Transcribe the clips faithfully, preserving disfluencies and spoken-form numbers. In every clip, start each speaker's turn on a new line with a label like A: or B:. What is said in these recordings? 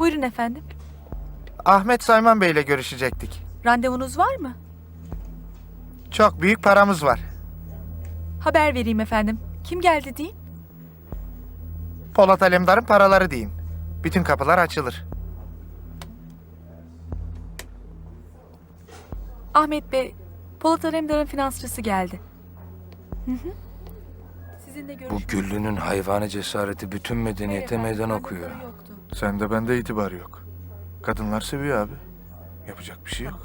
A: Buyurun efendim.
B: Ahmet Sayman Bey'le görüşecektik.
A: Randevunuz var mı?
B: Çok büyük paramız var.
A: Haber vereyim efendim. Kim geldi deyin.
B: Polat Alemdar'ın paraları deyin. Bütün kapılar açılır.
A: Ahmet Bey, Polat Alemdar'ın finansçısı geldi. Hı hı. Sizinle
C: Bu
A: görüşmek
C: Güllü'nün hayvani cesareti bütün medeniyete
A: Hayır
C: meydan
A: efendim,
C: okuyor.
A: randevuları yoktu.
B: Sende bende itibar yok. Kadınlar seviyor abi. Yapacak bir şey yok.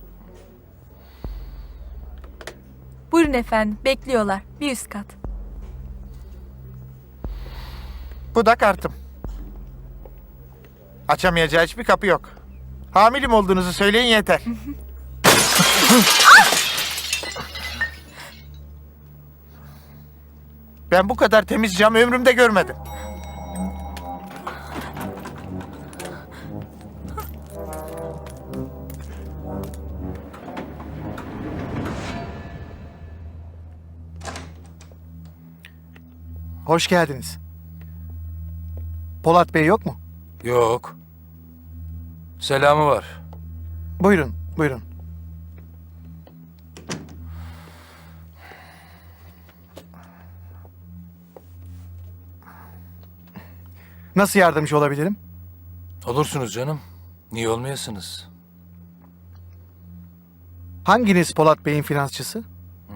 A: Buyurun efendim, bekliyorlar. Bir üst kat.
B: Bu da kartım. Açamayacağı hiçbir kapı yok. Hamilim olduğunuzu söyleyin yeter. Ben bu kadar temiz cam ömrümde görmedim.
D: Hoş geldiniz. Polat Bey yok mu?
C: Yok. Selamı var.
D: Buyurun, buyurun. Nasıl yardımcı olabilirim?
C: Olursunuz canım. Niye olmayasınız?
D: Hanginiz Polat Bey'in finansçısı?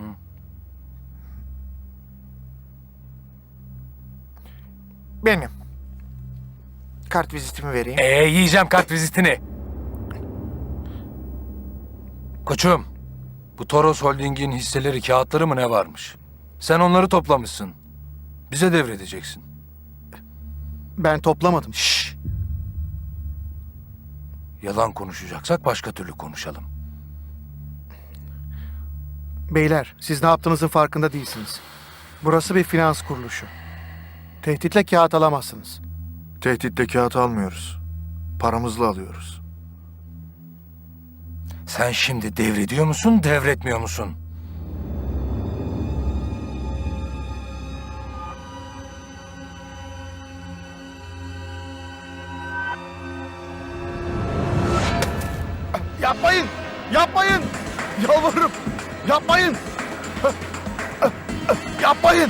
B: Benim. Kart vizitimi vereyim.
C: Ee yiyeceğim kart vizitini. Koçum, bu Toros Holding'in hisseleri, kağıtları mı ne varmış? Sen onları toplamışsın. Bize devredeceksin.
D: Ben toplamadım.
C: Şşş. Yalan konuşacaksak başka türlü konuşalım.
D: Beyler, siz ne yaptığınızın farkında değilsiniz. Burası bir finans kuruluşu. Tehditle kağıt alamazsınız.
B: Tehditle kağıt almıyoruz. Paramızla alıyoruz.
C: Sen şimdi devrediyor musun, devretmiyor musun?
D: Yapmayın! Yapmayın! Yalvarırım! Yapmayın! Yapmayın!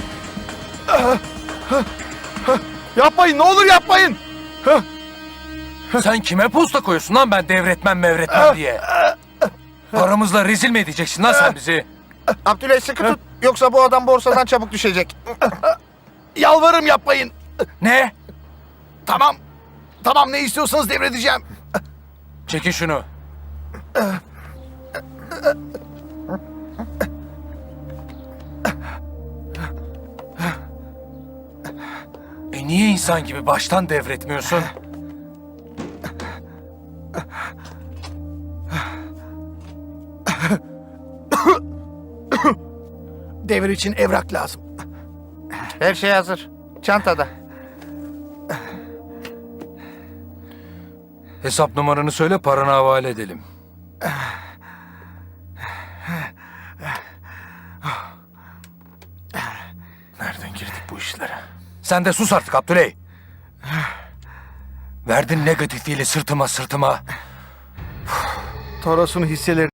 D: Yapmayın! Ne olur yapmayın!
C: Sen kime posta koyuyorsun lan ben devretmem mevretmem diye? Paramızla rezil mi edeceksin lan sen bizi?
B: Abdüley sıkı tut. Yoksa bu adam borsadan çabuk düşecek.
D: Yalvarırım yapmayın!
C: Ne?
D: Tamam. Tamam ne istiyorsanız devredeceğim.
C: Çekin şunu. E niye insan gibi baştan devretmiyorsun?
D: Devir için evrak lazım.
B: Her şey hazır. Çantada.
C: Hesap numaranı söyle, paranı havale edelim.
B: Nereden girdik bu işlere?
C: Sen de sus artık Abdüley. Verdin negatifiyle sırtıma sırtıma.
D: Toros'un hisseleri